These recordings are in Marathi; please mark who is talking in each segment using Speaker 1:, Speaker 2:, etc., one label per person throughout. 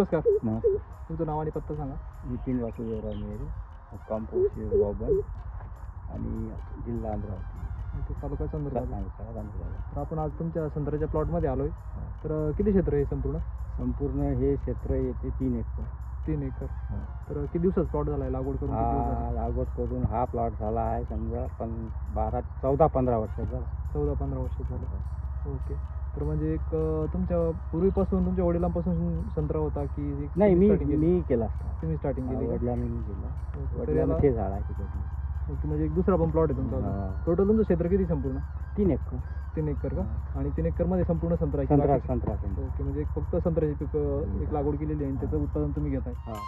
Speaker 1: नमस्कार.
Speaker 2: नमस्कार.
Speaker 1: तुमचं नाव आणि पत्ता सांगा.
Speaker 2: नितीन वासुदेवराव मेरे, मुक्काम पोस्ट बाबन आणि जिल्हा अमरावती,
Speaker 1: तालुका चंद्रपूर.
Speaker 2: सांगता.
Speaker 1: तर आपण आज तुमच्या संत्र्याच्या प्लॉटमध्ये आलोय. तर किती क्षेत्र आहे संपूर्ण?
Speaker 2: संपूर्ण हे क्षेत्र येते 3 एकर.
Speaker 1: 3 एकर. तर किती दिवसात प्लॉट झालाय लागवड करून? किती दिवस झाले?
Speaker 2: लागवड करून हा प्लॉट झाला आहे समजा 14-15 वर्षाचा.
Speaker 1: 14-15 वर्ष झालं. ओके. तर म्हणजे एक तुमच्या पूर्वीपासून तुमच्या वडिलांपासून संत्रा होता की
Speaker 2: नाही,
Speaker 1: starting केली?
Speaker 2: मी केला.
Speaker 1: तुम्ही स्टार्टिंग केली का?
Speaker 2: वडिलांनी केला.
Speaker 1: तर
Speaker 2: वडिलांनी
Speaker 1: याला-
Speaker 2: ते झाड आहे तिकडे.
Speaker 1: ओके, म्हणजे एक दुसरा पण प्लॉट आहे तुमचा.
Speaker 2: हा.
Speaker 1: टोटल तुमचं क्षेत्र किती संपूर्ण?
Speaker 2: 3 एकर.
Speaker 1: 3 एकर का? आणि 3 एकर मध्ये संपूर्ण संत्रा आहे की
Speaker 2: संत्रा
Speaker 1: बाकी?
Speaker 2: संत्रा
Speaker 1: ओके, म्हणजे एक फक्त संत्र्याची पीक एक लागवड केलेली आहे आणि त्याचं उत्पादन तुम्ही घेताय.
Speaker 2: हा.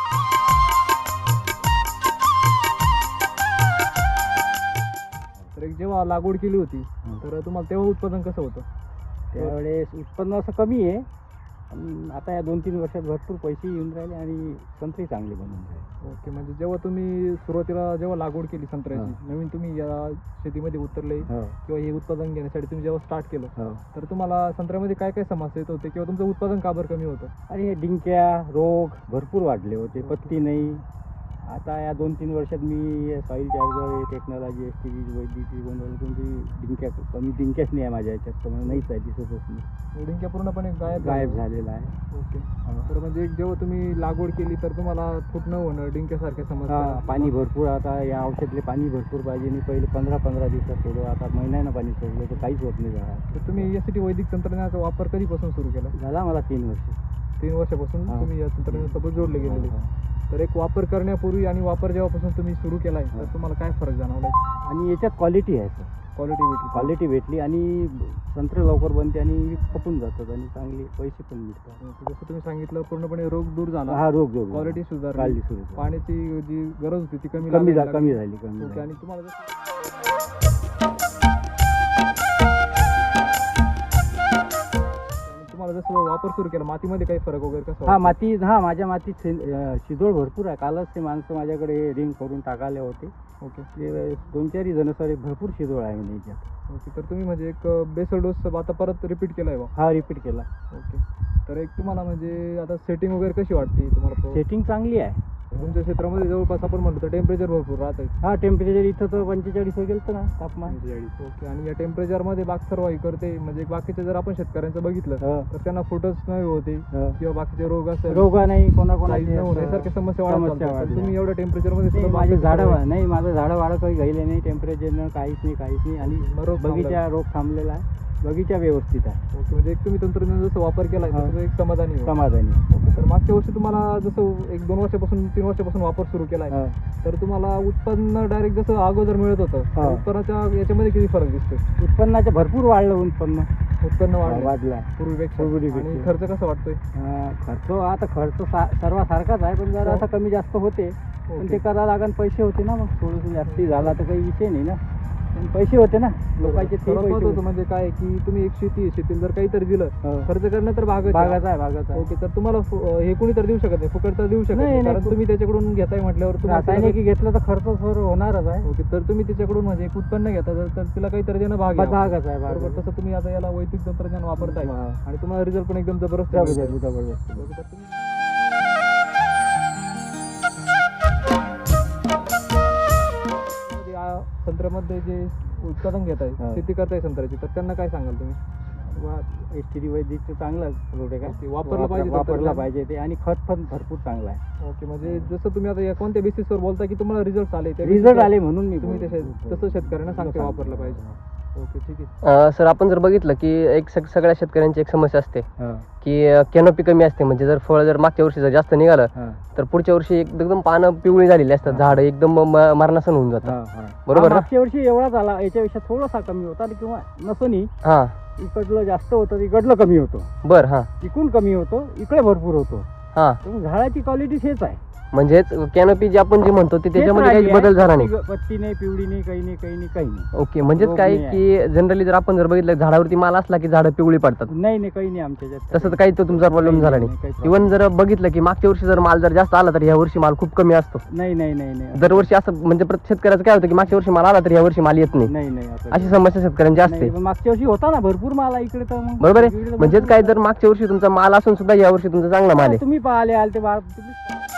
Speaker 1: तर एक जेव्हा लागवड केली होती
Speaker 2: हं.
Speaker 1: तर तुम्हाला तेव्हा उत्पादन कसं होतं?
Speaker 2: त्यावेळेस उत्पन्न असं कमी आहे, पण आता या 2-3 वर्षात भरपूर पैसे येऊन राहिले आणि संत्री चांगली बनून राहिले.
Speaker 1: ओके, म्हणजे जेव्हा तुम्ही सुरुवातीला जेव्हा लागवड केली संत्र्याची, नवीन तुम्ही या शेतीमध्ये उतरले
Speaker 2: हो.
Speaker 1: किंवा हे उत्पादन घेण्यासाठी तुम्ही जेव्हा स्टार्ट केलं
Speaker 2: हो.
Speaker 1: तर तुम्हाला संत्र्यामध्ये काय काय समस्या येत होते किंवा तुमचं उत्पादन का बरं कमी होतं?
Speaker 2: आणि हे डिंक्या रोग भरपूर वाढले होते, पत्ती नाही. आता या 2-3 वर्षात मी सॉईल चार्जर टेक्नॉलॉजी STG वैद्यकीय बनवलं, तुमची डिंक्या कमी डिंक्याच नाही आहे माझ्या ह्याच्यात, तर मला नाहीच आहे, दिसतच नाही,
Speaker 1: डिंक्या पूर्णपणे
Speaker 2: गायब झालेला आहे.
Speaker 1: ओके. तर म्हणजे एक जेव्हा तुम्ही लागवड केली तर तुम्हाला फुटणं होणं डिंक्यासारख्या समस्या?
Speaker 2: पाणी भरपूर, आता या औषधले पाणी भरपूर पाहिजे. मी पहिले 15-15 दिवसात सोडलं, आता महिन्यानं पाणी सोडलं तर काहीच होत नाही झाडात.
Speaker 1: तर तुम्ही यासाठी वैदिक तंत्रज्ञानाचा वापर कधीपासून सुरू केला?
Speaker 2: झाला मला 3 वर्ष.
Speaker 1: 3 वर्षापासून
Speaker 2: हा.
Speaker 1: तुम्ही या तंत्रज्ञानासोबत जोडले गेलेले. तर एक वापर करण्यापूर्वी आणि वापर जेव्हापासून तुम्ही सुरू केलाय तर तुम्हाला काय फरक जाणवलाय?
Speaker 2: आणि याच्यात क्वालिटी आहे सर,
Speaker 1: क्वालिटी
Speaker 2: भेटली आणि संत्रे लवकर बनते आणि खपून जातात आणि चांगले पैसे पण मिळतात.
Speaker 1: जसं तुम्ही सांगितलं पूर्णपणे रोग दूर झाला,
Speaker 2: हा रोग
Speaker 1: क्वालिटी सुधारली,
Speaker 2: सुरू
Speaker 1: पाण्याची जी गरज होती ती कमी
Speaker 2: कमी
Speaker 1: लागली.
Speaker 2: झाली.
Speaker 1: ओके. आणि तुम्हाला जसं वापर सुरू केला मातीमध्ये काही फरक वगैरे कसा
Speaker 2: हा माती, हा माझ्या मातीत शिदोळ भरपूर आहे. कालच ते माणसं माझ्याकडे रिंग करून टाकाले होते.
Speaker 1: ओके.
Speaker 2: ते 2-4 जण सर भरपूर शिदोळ आहे म्हणजे याच्यात.
Speaker 1: ओके. तर तुम्ही म्हणजे एक बेसल डोस आता परत रिपीट केलाय बा?
Speaker 2: हा रिपीट केला.
Speaker 1: ओके. तर एक तुम्हाला म्हणजे आता सेटिंग वगैरे कशी वाटते तुम्हाला?
Speaker 2: सेटिंग चांगली आहे.
Speaker 1: तुमच्या क्षेत्रामध्ये जवळपास आपण म्हणतो तर टेम्परेचर भरपूर राहत आहे.
Speaker 2: हा टेम्परेचर इथं तर 45 गेलं ना तापमान.
Speaker 1: ओके. आणि या टेम्परेचरमध्ये बाग सर्वाही करते म्हणजे बाकीचे जर आपण शेतकऱ्यांचं बघितलं तर त्यांना फुटच नाही होते किंवा बाकीचे रोग असेल,
Speaker 2: रोग नाही,
Speaker 1: यासारख्या समस्या वाढतात. तुम्ही एवढ्या टेम्परेचरमध्ये सुद्धा
Speaker 2: माझे झाडं नाही, माझं झाडं वाढ काही गेले नाही टेम्परेचरनं, काहीच नाही. आणि बगीचा रोग थांबलेला आहे, बगीचा व्यवस्थित आहे.
Speaker 1: ओके. म्हणजे एक तुम्ही तंत्रज्ञान जसं वापर केलाय तसं एक समाधानी.
Speaker 2: ओके.
Speaker 1: तर मागच्या वर्षी तुम्हाला जसं 1-2 वर्षापासून 3 वर्षापासून वापर सुरू केलाय तर तुम्हाला उत्पन्न डायरेक्ट जसं अगोदर मिळत होतं उत्पन्नाच्या याच्यामध्ये किती फरक दिसतो?
Speaker 2: उत्पन्नाचं भरपूर वाढलं. उत्पन्न वाढला
Speaker 1: पूर्वीपेक्षा. आणि खर्च कसा वाटतोय?
Speaker 2: खर्च सर्वासारखाच आहे, पण जरा असं कमी जास्त होते. पण ते करावं लागेल, पैसे होते ना, मग थोडंसं जास्ती झाला तर काही विषय नाही ना, पण पैसे होते ना लोकांचे. ते
Speaker 1: होतं म्हणजे काय की तुम्ही एक शेतीला जर काहीतरी दिलं खर्च करणं तर भागाचा आहे. ओके. तर तुम्हाला हे कोणी तर देऊ शकत नाही, फुकट तर देऊ शकत नाही, कारण तुम्ही त्याच्याकडून घेताय म्हटल्यावर
Speaker 2: रासायनिक घेतलं तर खर्च होणारच आहे.
Speaker 1: ओके. तर तुम्ही त्याच्याकडून म्हणजे एक उत्पन्न घेता तर तिला काहीतरी देणं भागच आहे. बरोबर. तसं तुम्ही आता याला वैदिक तंत्रज्ञान वापरताय आणि तुम्हाला रिझल्ट पण एकदम जबरदस्त. संत्र्यामध्ये जे उत्पादन घेत आहे, शेती करताय संत्र्याची, तर त्यांना काय सांगाल तुम्ही?
Speaker 2: STD वैदिकचं चांगलं प्रोडक्ट आहे,
Speaker 1: वापरला
Speaker 2: पाहिजे ते. आणि खत पण भरपूर चांगलं आहे.
Speaker 1: ओके. म्हणजे जसं तुम्ही आता कोणत्या बेसिसवर बोलता की तुम्हाला रिझल्ट
Speaker 2: आले म्हणून मी
Speaker 1: तुम्ही तसं शेतकऱ्यांना सांगते वापरलं पाहिजे. ओके. ठीक आहे.
Speaker 3: सर, आपण जर बघितलं की एक सगळ्या शेतकऱ्यांची एक समस्या असते की कॅनोपी कमी असते. म्हणजे जर फळ जर मागच्या वर्षी जर जास्त निघालं तर पुढच्या वर्षी एकदम पानं पिवळी झालेली असतात, झाड एकदम मरणासन होऊन जातात. बरोबर.
Speaker 2: मागच्या वर्षी एवढा झाला, याच्यापेक्षा थोडासा कमी होता किंवा नसनी. इकडलं जास्त होतं, इकडलं कमी होतं.
Speaker 3: बरं. हा.
Speaker 2: इकडून कमी होतं, इकडे भरपूर होतो.
Speaker 3: हा.
Speaker 2: झाडाची क्वालिटी हेच आहे.
Speaker 3: म्हणजेच कॅनोपी जे आपण जे म्हणतो ते त्याच्यामध्ये काही बदल झाला नाही.
Speaker 2: पत्ती नाही, पिवळी नाही, काही नाही, काही नाही, काही नाही.
Speaker 3: ओके, म्हणजेच
Speaker 2: रोग
Speaker 3: काय
Speaker 2: नाही
Speaker 3: की जनरली जर आपण जर बघितलं झाडावरती माल असला की झाडं पिवळी पडतात,
Speaker 2: नाही नाही, काही नाही आमच्या याच्यात.
Speaker 3: तसं तर काही तो तुमचा प्रॉब्लेम झाला
Speaker 2: काही
Speaker 3: नाही.
Speaker 2: problem.
Speaker 3: इव्हन जर बघितलं की मागच्या वर्षी जर माल जर जास्त आला तर या वर्षी माल खूप कमी असतो.
Speaker 2: नाही नाही नाही नाही
Speaker 3: दरवर्षी असं म्हणजे प्रत्येक शेतकऱ्याचं काय होतं की मागच्या वर्षी माल आला तर या वर्षी माल येत नाही,
Speaker 2: नाही नाही असं
Speaker 3: अशी समस्या शेतकऱ्यांची असते.
Speaker 2: नाही, पण मागच्या वर्षी होता ना भरपूर माल इकडे, तर मग
Speaker 3: बरोबर
Speaker 2: इकडे
Speaker 3: आहे.
Speaker 2: तर
Speaker 3: म्हणजेच
Speaker 2: भरपूर
Speaker 3: काय जर मागच्या वर्षी तुमचा माल असून सुद्धा या वर्षी तुमचा चांगला माल आहे.
Speaker 2: तुम्ही पाहिले आले ते तुम्ही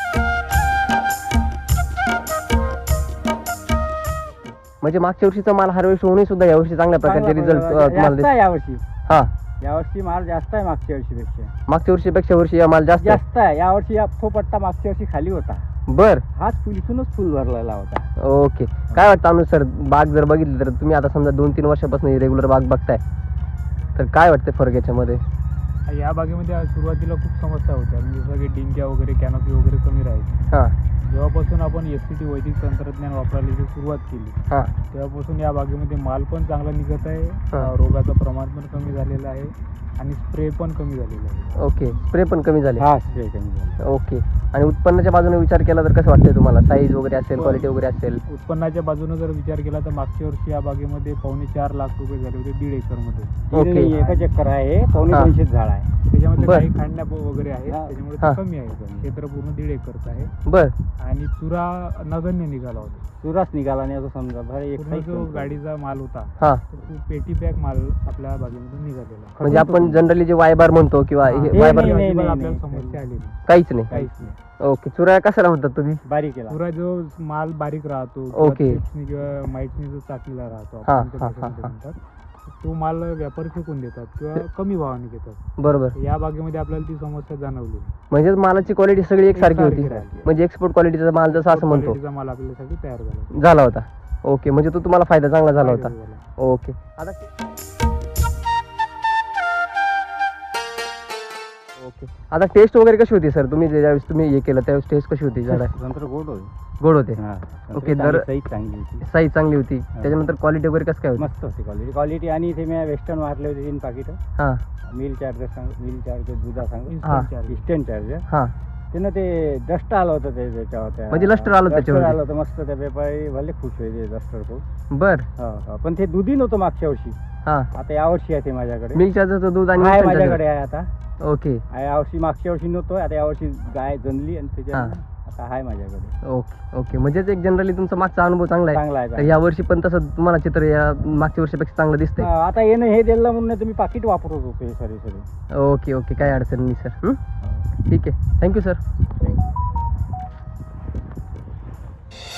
Speaker 3: म्हणजे मागच्या वर्षीचा माल हार्वेस्ट होऊनही सुद्धा या वर्षी चांगल्या प्रकारचे रिझल्ट तुम्हाला
Speaker 2: जास्त
Speaker 3: दिसतात.
Speaker 2: आहे यावर्षी.
Speaker 3: हा,
Speaker 2: यावर्षी माल जास्त आहे मागच्या वर्षीपेक्षा.
Speaker 3: मागच्या वर्षीपेक्षा वर्षी या माल जास्त आहे.
Speaker 2: जास्त आहे यावर्षी. तो पट्टा मागच्या वर्षी खाली होता,
Speaker 3: बर,
Speaker 2: हाच इथूनच फुल भरलेला होता.
Speaker 3: ओके. काय वाटतं अनुज सर, बाग जर बघितली तर तुम्ही आता समजा 2-3 वर्षापासून रेग्युलर बाग बघताय, तर काय वाटतं फरक याच्यामध्ये?
Speaker 1: या बागेमध्ये सुरुवातीला खूप समस्या होत्या, म्हणजे जसं की डिंक्या वगैरे, कॅनोपी वगैरे कमी राहायची.
Speaker 3: हा
Speaker 1: जेव्हापासून आपण SCT वैदिक तंत्रज्ञान वापरायला जी सुरुवात केली,
Speaker 3: हा
Speaker 1: तेव्हापासून या बागेमध्ये माल पण चांगला निघत आहे,
Speaker 3: हा.
Speaker 1: रोगाचं प्रमाण पण कमी झालेलं आहे आणि स्प्रे पण कमी झालेला आहे.
Speaker 3: ओके, स्प्रे पण कमी झाले.
Speaker 2: हा स्प्रे कमी झाला.
Speaker 3: ओके. आणि उत्पन्नाच्या बाजूने विचार केला तर कसं वाटतंय तुम्हाला? साईज वगैरे असेल, क्वालिटी वगैरे असेल?
Speaker 1: उत्पन्नाच्या बाजूने जर विचार केला तर मागच्या वर्षी या बागेमध्ये 4.25 लाख रुपये झाले होते 1.5 एकरमध्ये.
Speaker 3: ओके.
Speaker 2: एकच एकर आहे, पावणे
Speaker 3: हा.
Speaker 2: 200 झाड आहे.
Speaker 1: त्याच्यामध्ये
Speaker 3: बर.
Speaker 1: काही खांड्या वगैरे आहेत,
Speaker 2: हा.
Speaker 1: त्याच्यामुळे
Speaker 3: हा.
Speaker 1: ते कमी आहे. क्षेत्र पूर्ण 1.5 एकरचं आहे
Speaker 3: बर,
Speaker 1: आणि चुरा नगण्य निघाला होता.
Speaker 2: चुराच निघाला नाही असं समजा. बरं एक
Speaker 1: पूर्ण
Speaker 2: साईज
Speaker 1: जो
Speaker 2: पण
Speaker 1: गाडीचा माल होता
Speaker 3: हा.
Speaker 1: तो खूप पेटी पॅक माल आपल्या बागेमधून निघालेला आहे.
Speaker 3: म्हणजे आपण जनरली जे वायबार म्हणतो किंवा
Speaker 1: हा.
Speaker 3: हे
Speaker 2: हे
Speaker 3: वायबार,
Speaker 2: नाही,
Speaker 1: अजिबात
Speaker 2: नाही,
Speaker 1: आपल्याला
Speaker 2: नाही.
Speaker 1: समस्या आली नाही,
Speaker 3: काहीच नाही.
Speaker 1: काहीच नाही.
Speaker 3: ओके. चुरा कशाला म्हणतात तुम्ही?
Speaker 2: बारीक केला.
Speaker 1: पुरा जो माल बारीक राहतो
Speaker 3: ओके.
Speaker 1: किंवा माईटनी जो चाकलेला राहतो
Speaker 3: हा,
Speaker 1: आपण त्या
Speaker 3: हा,
Speaker 1: भाषेमध्ये
Speaker 3: हा.
Speaker 1: म्हणतात, तो माल व्यापारी फेकून देतात किंवा कमी भावाने घेतात.
Speaker 3: बरोबर.
Speaker 1: या बागेमध्ये आपल्याला ती समस्या जाणवली.
Speaker 3: म्हणजे मालाची क्वालिटी सगळी एकसारखी होती.
Speaker 1: राहिली.
Speaker 3: म्हणजे एक्सपोर्ट क्वालिटीचा माल जसं असं म्हणतो
Speaker 1: क्वालिटीचा माल आपल्यासाठी तयार झाला.
Speaker 3: झाला होता. ओके, म्हणजे तो तुम्हाला फायदा चांगला झाला होता.
Speaker 1: फायदा झाला.
Speaker 3: ओके. आता ओके, आता टेस्ट वगैरे कशी होती सर? तुम्ही ज्यावेळेस तुम्ही हे केलं त्यावेळेस टेस्ट कशी होती? झाडा
Speaker 2: नंतर गोड होईल.
Speaker 3: गोड होते.
Speaker 2: हा.
Speaker 3: ओके,
Speaker 2: चांगली,
Speaker 3: दर-
Speaker 2: साईज चांगली होती.
Speaker 3: साईज चांगली होती. त्याच्यानंतर क्वालिटी वगैरे कसं काय होती?
Speaker 2: मस्त होती क्वालिटी. क्वालिटी आणि ते मी वेस्टर्न मारले होते 3 पाकिट.
Speaker 3: हां
Speaker 2: मिल चार्जर दुधा सांग,
Speaker 3: हा.
Speaker 1: Instant charge.
Speaker 2: Eastern charger.
Speaker 3: हां.
Speaker 2: त्यानं ते डस्ट आलं होतं ते त्याच्यावर.
Speaker 3: म्हणजे luster आलं त्याच्यावरती?
Speaker 2: आलं होतं मस्त. त्या व्यापारी भले खुश व्हायचे डस्टर खूप.
Speaker 3: बर.
Speaker 2: पण ते दुधी नव्हतं मागच्या वर्षी.
Speaker 3: हां.
Speaker 2: आता यावर्षी आहे ते माझ्याकडे.
Speaker 3: मिल्क चार्जरचं दूध आणि
Speaker 2: आहे
Speaker 3: instant
Speaker 2: माझ्याकडे
Speaker 3: charger.
Speaker 2: आहे आता.
Speaker 3: ओके.
Speaker 2: यावर्षी मागच्या वर्षी नव्हतं, आता यावर्षी गाय जनली आणि त्याच्या
Speaker 3: हा.
Speaker 2: आता आहे माझ्याकडे.
Speaker 3: ओके. ओके, म्हणजेच एक जनरली तुमचा मागचा अनुभव चांगला आहे.
Speaker 2: चांगला आहे,
Speaker 3: तर
Speaker 2: चांगला
Speaker 3: या वर्षी पण तसं तुम्हाला चित्र या मागच्या वर्षीपेक्षा चांगलं दिसतंय.
Speaker 2: आता येणं हे दिलं म्हणून तुम्ही पाकिट वापरत होते सरी.
Speaker 3: ओके ओके, काय अडचण नाही सर. ठीक आहे, थँक्यू सर.
Speaker 2: थँक्यू.